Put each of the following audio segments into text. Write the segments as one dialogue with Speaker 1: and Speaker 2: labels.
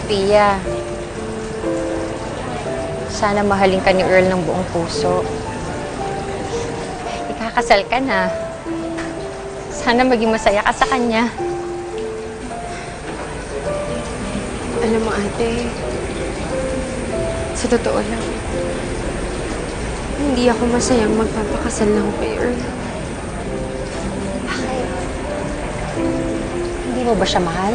Speaker 1: Sophia, sana mahalin ka ni Earl ng buong puso. Ikakasal ka na. Sana maging masaya ka sa kanya.
Speaker 2: Alam mo, ate, sa totoo lang, hindi ako masayang magpapakasal lang kay Earl.
Speaker 1: Bakit? Hindi mo ba siya mahal?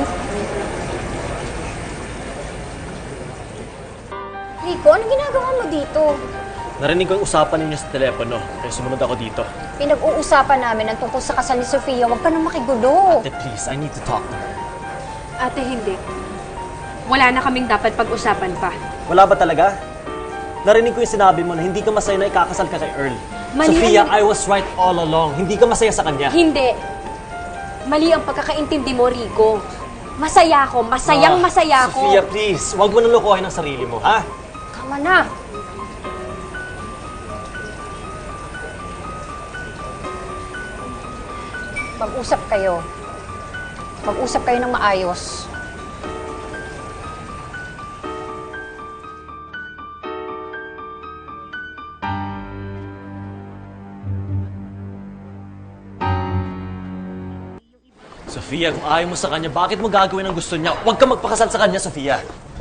Speaker 1: Rico, anong ginagawa mo dito?
Speaker 3: Narinig ko yung usapan ninyo sa telepono, kaya sumunod ako dito.
Speaker 1: Pinag-uusapan namin ang tungkol sa kasal ni Sophia. Huwag ka nang makigulo.
Speaker 3: Ate, please, I need to talk to her.
Speaker 2: Ate, hindi. Wala na kaming dapat pag-usapan pa.
Speaker 3: Wala ba talaga? Narinig ko yung sinabi mo na hindi ka masaya na ikakasal ka kay Earl.
Speaker 2: Mali
Speaker 3: Sophia,
Speaker 2: ang-
Speaker 3: I was right all along. Hindi ka masaya sa kanya.
Speaker 2: Hindi. Mali ang pagkakaintindi mo, Rico. Masaya ako. Masaya ako.
Speaker 3: Sophia, please. Huwag mo nang lokohin ang sarili mo, ha?
Speaker 1: Tama na. Mag-usap kayo. Mag-usap kayo ng maayos.
Speaker 3: Sophia, kung ayaw mo sa kanya, bakit mo gagawin ang gusto niya? Huwag ka magpakasal sa kanya, Sophia.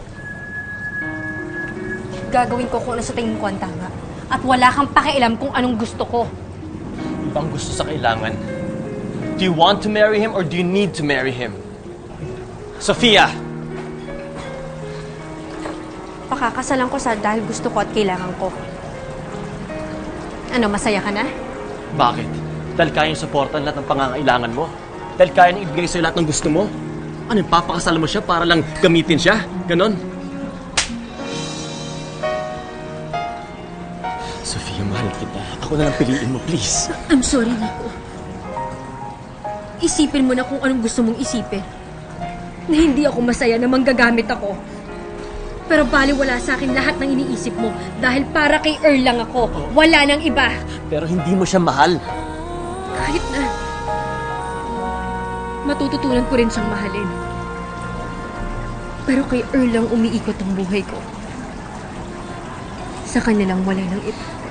Speaker 2: Gagawin ko kung ano sa tingin ko ang tama. At wala kang pakialam kung anong gusto ko.
Speaker 3: Ibang gusto sa kailangan. Do you want to marry him or do you need to marry him? Sophia!
Speaker 2: Pakakasalan ko sa dahil gusto ko at kailangan ko. Ano, masaya ka na?
Speaker 3: Bakit? Dahil kayang supportan lahat ng pangangailangan mo? Dahil kaya niyang ibigay sa'yo lahat ng gusto mo? Ano, papakasal mo siya para lang gamitin siya? Ganon? Sophia, mahal kita. Ako na lang piliin mo, please.
Speaker 2: I'm sorry, Nico. Isipin mo na kung anong gusto mong isipin. Na hindi ako masaya na manggagamit ako. Pero baliwala sa akin lahat ng iniisip mo dahil para kay Earl lang ako. Wala nang iba.
Speaker 3: Pero hindi mo siya mahal.
Speaker 2: Kahit na matututunan ko rin siyang mahalin. Pero kay Earl lang umiikot ang buhay ko. Sa kanya lang wala nang iba.